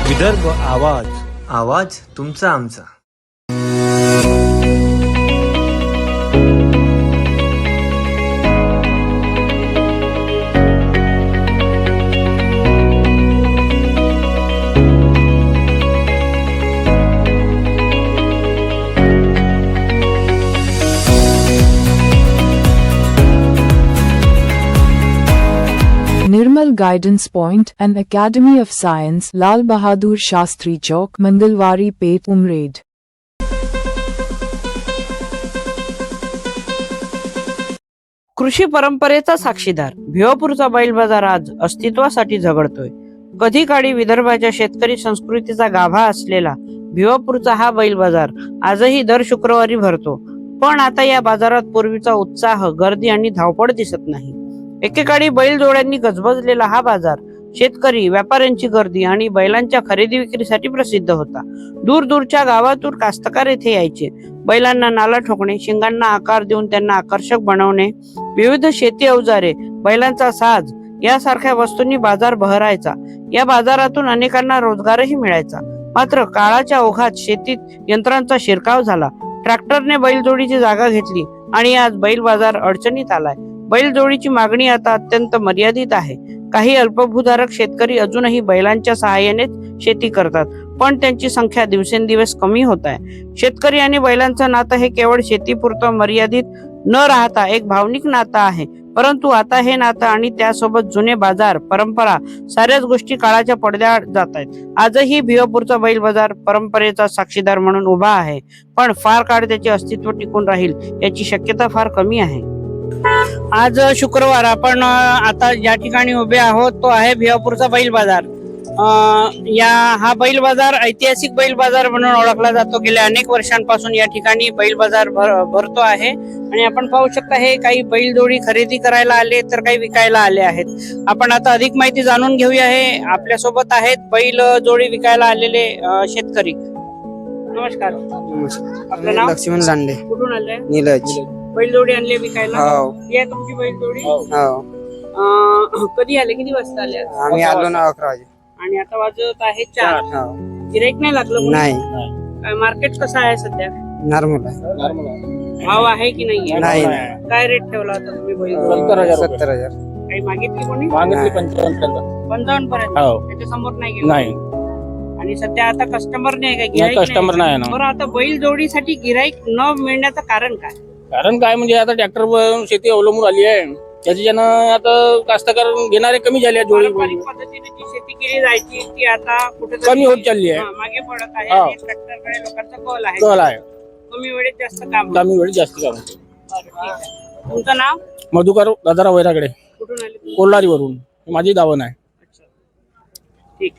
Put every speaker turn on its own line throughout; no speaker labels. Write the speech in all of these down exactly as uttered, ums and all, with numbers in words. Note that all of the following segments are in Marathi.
विदर्भ आवाज,
आवाज तुमचा आमचा.
Nirmal Guidance Point and Academy of Science, Lal Bahadur Shastri Chowk, Mandalwari Pet, Umred.
कृषी परंपरेचा साक्षीदार भिवापूरचा बैल बाजार आज अस्तित्वासाठी झगडतोय. कधी काळी विदर्भाच्या शेतकरी संस्कृतीचा गाभा असलेला भिवापूरचा हा बैल बाजार आजही दर शुक्रवारी भरतो. पण आता या बाजारात पूर्वीचा उत्साह, गर्दी आणि धावपळ दिसत नाही. एकेकाळी बैलजोड्यांनी गजबजलेला हा बाजार शेतकरी, व्यापाऱ्यांची गर्दी आणि बैलांच्या खरेदी विक्रीसाठी प्रसिद्ध होता. दूर दूरच्या गावातून कास्तकार येथे यायचे. बैलांना नाला ठोकणे, शिंगांना आकार देऊन त्यांना आकर्षक बनवणे, विविध शेती अवजारे, बैलांचा साज यासारख्या वस्तूंनी बाजार बहरायचा. या बाजारातून अनेकांना रोजगारही मिळायचा. मात्र काळाच्या ओघात शेतीत यंत्रांचा शिरकाव झाला. ट्रॅक्टरने बैलजोडीची जागा घेतली आणि आज बैल बाजार अडचणीत आलाय. बैलजोडीची मागणी आता अत्यंत मर्यादित आहे. काही अल्पभूधारक शेतकरी अजूनही बैलांच्या सहाय्यानेच शेती करतात, पण त्यांची संख्या दिवसेंदिवस कमी होत आहे. शेतकरी आणि बैलांचं नातं हे केवळ शेतीपुरतं मर्यादित न राहता एक भावनिक नातं आहे. परंतु आता हे नातं आणि त्यासोबत जुने बाजार, परंपरा, साऱ्याच गोष्टी काळाच्या पडद्याआड जात आहेत. आजही भिवापूरचा बैल बाजार परंपरेचा साक्षीदार म्हणून उभा आहे, पण फार काळ त्याचे अस्तित्व टिकून राहील याची शक्यता फार कमी आहे. आज शुक्रवार, आपण आता ज्या ठिकाणी उभे आहोत तो आहे भिवापूरचा बैल बाजार. या हा बैल बाजार ऐतिहासिक बैल बाजार म्हणून ओळखला जातो. गेल्या अनेक वर्षांपासून या ठिकाणी बैल बाजार भर, भरतो आहे आणि आपण पाहू शकता हे काही बैलजोडी खरेदी करायला आले तर काही विकायला आले आहेत. आपण आता अधिक माहिती जाणून घेऊया. हे आपल्या सोबत आहेत बैल जोडी विकायला आलेले शेतकरी. नमस्कार. आपलं नाव?
लक्ष्मण लांडे.
कुठून आले?
नीलज.
बैलजोडी आणली विकायला?
हो.
ही आहे तुमची बैलजोडी?
हो.
कधी आले? किती वाजता आले?
आम्ही आलो ना अकरा वाजे.
आणि आता वाजत आहे चार.
हो.
गिराईक नाही लागलं?
नाही.
मार्केट कसं आहे सध्या?
नॉर्मल आहे.
भाव आहे की नाही?
नाही.
काय रेट ठेवला होता तुम्ही बैल?
सत्तर हजार.
काही मागितली कोणी?
नाही.
पंचावन्न पर्यंत. त्याच्या समोर नाही गेलं?
नाही.
आणि सध्या आता कस्टमर नाही का? गिराईक
कस्टमर नाही ना.
बरं, आता बैल जोडीसाठी गिराईक न मिळण्याचं कारण काय?
कारण काय म्हणजे आता ट्रॅक्टरवर शेती अवलंबून आली आहे. त्याच्यानं आता कास्तकार घेणारे कमी झाले. जोडी
पारंपरिक पद्धतीने जी शेती केली जायची ती आता कुठे
कमी होत चालली आहे.
मागे पडत आहे.
हा.
आणि ट्रॅक्टरकडे लोकांचा कल आहे.
कल आहे.
कमी वेळेत जास्त काम.
कमी वेळेत जास्त काम होते.
बरं, ठीक आहे. तुमचं नाव?
मधुकर दादाराव वैराकडे,
कुठून आले?
कोल्हारी वरून. माझी दावण आहे.
अच्छा, ठीक.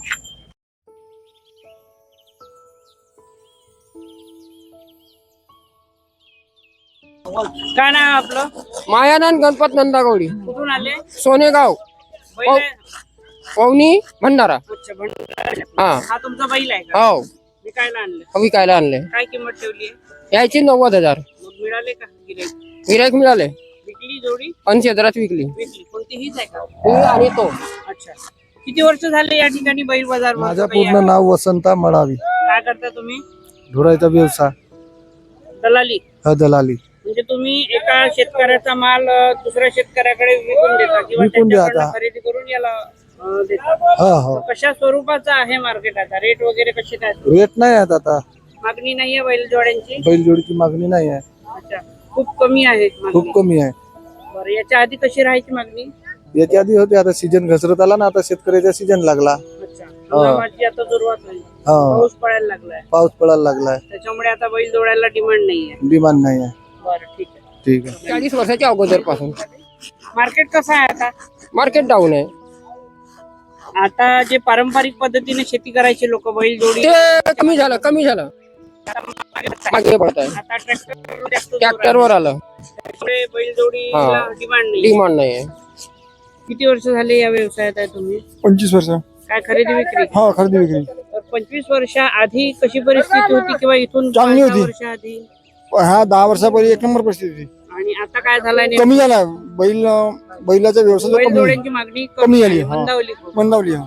काय नाव आपलं?
मायानंद गणपत नंदागौडी,
कुठून आले?
सोनेगाव,
बैल आहे?
पवनी, भंडारा.
अच्छा, भंडारा.
हा.
हा तुमचा बैल आहे का?
हो.
विकायला आणले?
विकायला आणले.
काय किंमत ठेवली आहे?
यायची नव्वद हजार.
मग मिळाले का गिराईक?
गिराईक मिळाले.
विकली जोडी?
ऐंशी हजारात विकली.
विकली. कोणती? हीच आहे का?
ही आणि तो.
अच्छा. किती वर्ष झाले या ठिकाणी बैल बाजार भरतो?
माझं
काही
पूर्ण
आहे?
नाव वसंता मळावी.
काय करता तुम्ही?
धुरायचा व्यवसाय,
दलाली.
हा दलाली.
म्हणजे तुम्ही एका शेतकऱ्याचा माल अ, दुसऱ्या शेतकऱ्याकडे विकून देता किंवा
विकून देता.
त्यांच्याकडनं खरेदी करून याला अ, देता.
हा हा.
कशा स्वरूपाचा आहे मार्केट आता? रेट वगैरे कसे काय?
रेट नाही आहेत आता.
मागणी नाहीये बैलजोड्यांची?
बैलजोडीची मागणी नाही आहे,
अच्छा, खूप कमी आहे मागणी.
खूप कमी आहे.
बरं, याच्या आधी कशी राहायची मागणी?
याच्या आधी होती, आता सीजन घसरत आला ना, आता शेतकऱ्याचा सीजन लागला.
अच्छा, हंगामाची आता सुरुवात होईल.
हा,
पाऊस पडायला लागलाय,
पाऊस पडायला लागलाय,
त्याच्यामुळे आता बैल जोडायला डिमांड नाहीये.
डिमांड नाही आहे.
बरं, ठीक आहे.
ठीक आहे.
चाळीस वर्षाच्या अगोदर पासून
मार्केट कसं आहे आता?
मार्केट डाऊन आहे.
आता जे पारंपरिक पद्धतीने शेती करायचे लोक बैल जोडी,
ते कमी झालं, कमी झालं. मागे पडत आहे.
आता ट्रॅक्टर
ट्रॅक्टरवर आलं.
बैल जोडीला
हा.
डिमांड नाही.
डिमांड नाही आहे.
किती वर्ष झाले या व्यवसायात आहे तुम्ही?
पंचवीस वर्ष.
काय खरेदी विक्री?
हा, खरेदी विक्री.
तर पंचवीस वर्षा आधी कशी परिस्थिती होती किंवा इथून
चांगली
पाच
होती.
वर्ष आधी?
हा, दहा वर्षापूर्वी एक नंबर परिस्थिती होती.
आणि आता काय झालंय?
कमी झाला बैल बैलाचा व्यवसाय
बैल
कमी
जोड्यांची मागणी
कमी झाली,
आहे,
हा.
मंदावली खूप.
मंदावली. हा,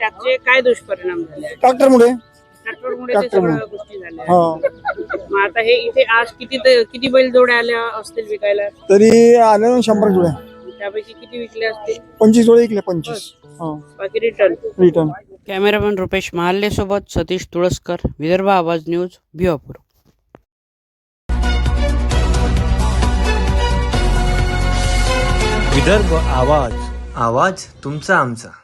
त्याचे काय दुष्परिणाम झाले
ट्रॅक्टरमुळे
ट्रॅक्टरमुळे ते
ट्रॅक्टरमुळे.
सगळ्या गोष्टी झाल्या
हा
मग आता हे इथे आज किती ते- किती बैल जोड्या आल्या असतील विकायला
तरी आले शंभर जोड्या
त्यापैकी किती विकले असतील
पंचवीस जोडे विकले पंचवीस हा
बाकी return
return.
Cameraman Rupesh Mahalle सोबत सतीश तुळसकर, विदर्भ आवाज न्यूज, भिवापूर.
विदर्भ आवाज आवाज तुमचा आमचा.